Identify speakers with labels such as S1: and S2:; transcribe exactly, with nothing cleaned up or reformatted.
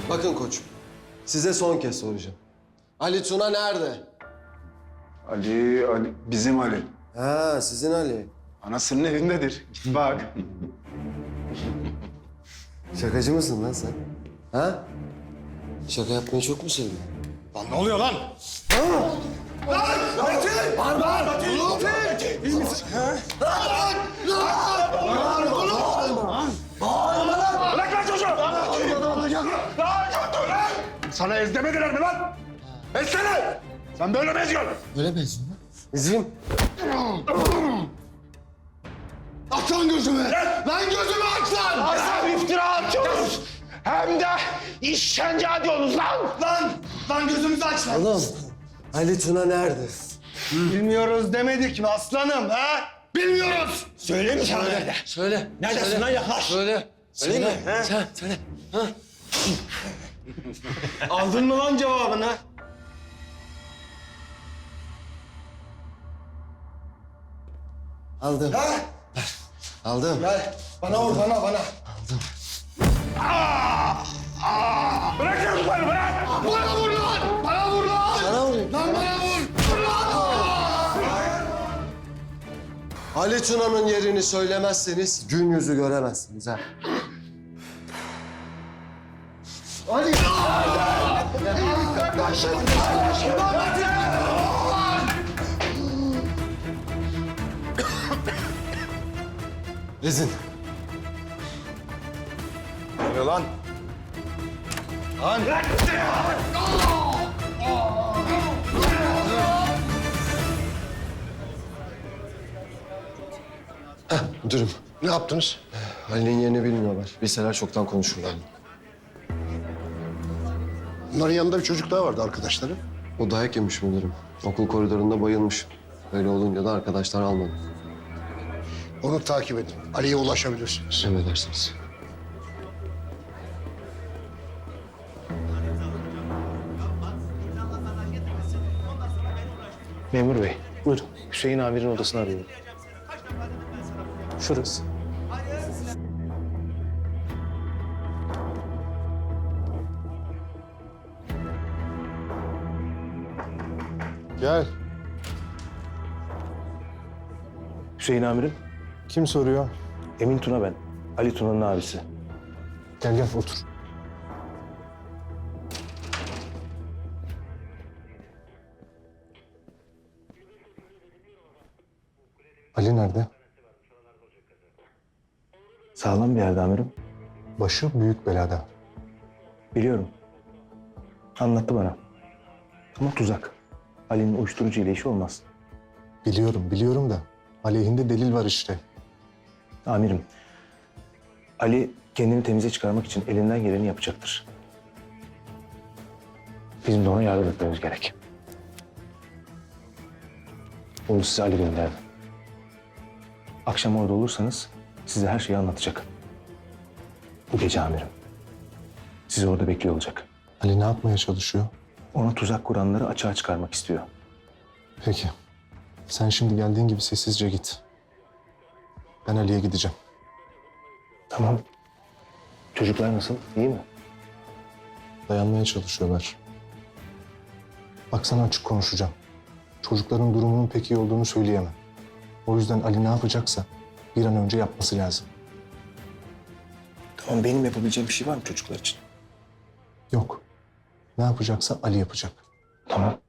S1: Bakın koçum, size son kez soracağım. Ali Tuna nerede?
S2: Ali, Ali, bizim Ali.
S1: Ha, sizin Ali.
S2: Anasının evindedir. Bak.
S1: Şakacı mısın lan sen? Ha? Şaka yapmayı çok mu seviyorsun?
S3: Lan ne oluyor lan? Bırak lan çocuğu! Sana ez demediler mi lan? Ezsene! Sen böyle mi eziyorsun?
S1: Öyle mi ezin lan? Ezeyim.
S3: Aç lan gözümü! Lan gözümü aç lan! Hem iftira atıyorsunuz hem de işkence ediyorsunuz lan! Lan! Lan gözümüzü aç lan!
S1: Oğlum, Ali Tuna nerede?
S3: Bilmiyoruz demedik mi aslanım ha? Bilmiyoruz! Söyleyeyim mi sana nerede?
S1: Söyle.
S3: Neredesin
S1: söyle,
S3: lan, yaklaş.
S1: Söyle.
S3: Söyleyeyim
S1: söyle.
S3: mi, he?
S1: Sen söyle. Ha?
S3: Aldın mı lan cevabını?
S1: Aldım.
S3: Ha?
S1: Aldım.
S3: Gel. Bana vur, bana, bana. Bırak çocukları, bırak! Bana vur lan! Bana vur lan!
S1: Sana vurayım.
S3: Lan bana vur! Vur lan!
S1: Ali Tuna'nın yerini söylemezseniz gün yüzü göremezsiniz ha. Ali! Rezin.
S3: Ne oluyor lan? Lan!
S1: Müdürüm,
S3: Ne yaptınız?
S1: Ali'nin yerini bilmiyorlar. Bilseler çoktan konuşurlardı.
S4: Bunların yanında bir çocuk daha vardı arkadaşları.
S1: O dayak yemiş müdürüm. Okul koridorunda bayılmış. Öyle olunca da arkadaşlar almadı.
S4: Onu takip edin. Ali'ye ulaşabilirsiniz.
S1: Emredersiniz.
S5: Memur bey, buyurun. Hüseyin amirin odasını arıyorum. Şurası.
S6: Gel.
S5: Hüseyin amirim,
S6: Kim soruyor?
S5: Emin Tuna ben. Ali Tuna'nın abisi.
S6: Gel gel otur. Ali nerede?
S5: Sağlam bir yerde amirim.
S6: Başı büyük belada.
S5: Biliyorum. Anlattı bana. Ama tuzak. Ali'nin uyuşturucu ile işi olmaz.
S6: Biliyorum, biliyorum da aleyhinde delil var işte.
S5: Amirim, Ali kendini temize çıkarmak için elinden geleni yapacaktır. Bizim de ona yardım etmemiz gerek. Onu size Ali gönderdi. Akşam orada olursanız size her şeyi anlatacak. Bu gece amirim. Sizi orada bekliyor olacak.
S6: Ali ne yapmaya çalışıyor?
S5: Ona tuzak kuranları açığa çıkarmak istiyor.
S6: Peki. Sen şimdi geldiğin gibi sessizce git. Ben Ali'ye gideceğim.
S5: Tamam. Çocuklar nasıl? İyi mi?
S6: Dayanmaya çalışıyorlar. Bak sana açık konuşacağım. Çocukların durumunun pek iyi olduğunu söyleyemem. O yüzden Ali ne yapacaksa bir an önce yapması lazım.
S5: Tamam, benim yapabileceğim bir şey var mı çocuklar için?
S6: Yok. Ne yapacaksa Ali yapacak.
S5: Tamam.